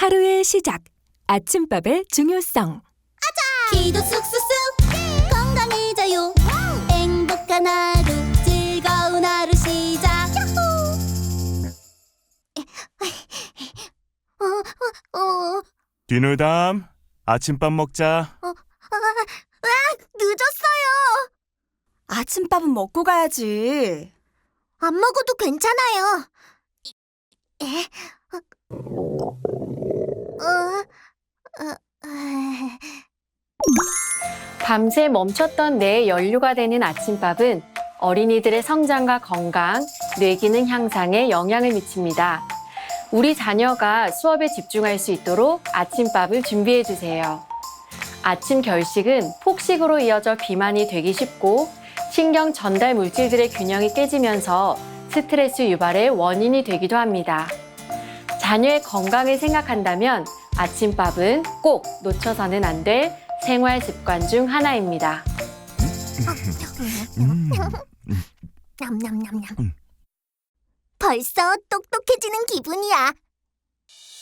하루의 시작, 아침밥의 중요성. 기도 쑥쑥쑥 건강해져요. 행복한 하루 즐거운 하루 시작. 뒤누담, 아침밥 먹자. 늦었어요. 아침밥은 먹고 가야지. 안 먹어도 괜찮아요. 밤새 멈췄던 뇌의 연료가 되는 아침밥은 어린이들의 성장과 건강, 뇌기능 향상에 영향을 미칩니다. 우리 자녀가 수업에 집중할 수 있도록 아침밥을 준비해 주세요. 아침 결식은 폭식으로 이어져 비만이 되기 쉽고 신경 전달 물질들의 균형이 깨지면서 스트레스 유발의 원인이 되기도 합니다. 자녀의 건강을 생각한다면 아침밥은 꼭 놓쳐서는 안 될 생활 습관 중 하나입니다. 냠냠냠냠. 벌써 똑똑해지는 기분이야.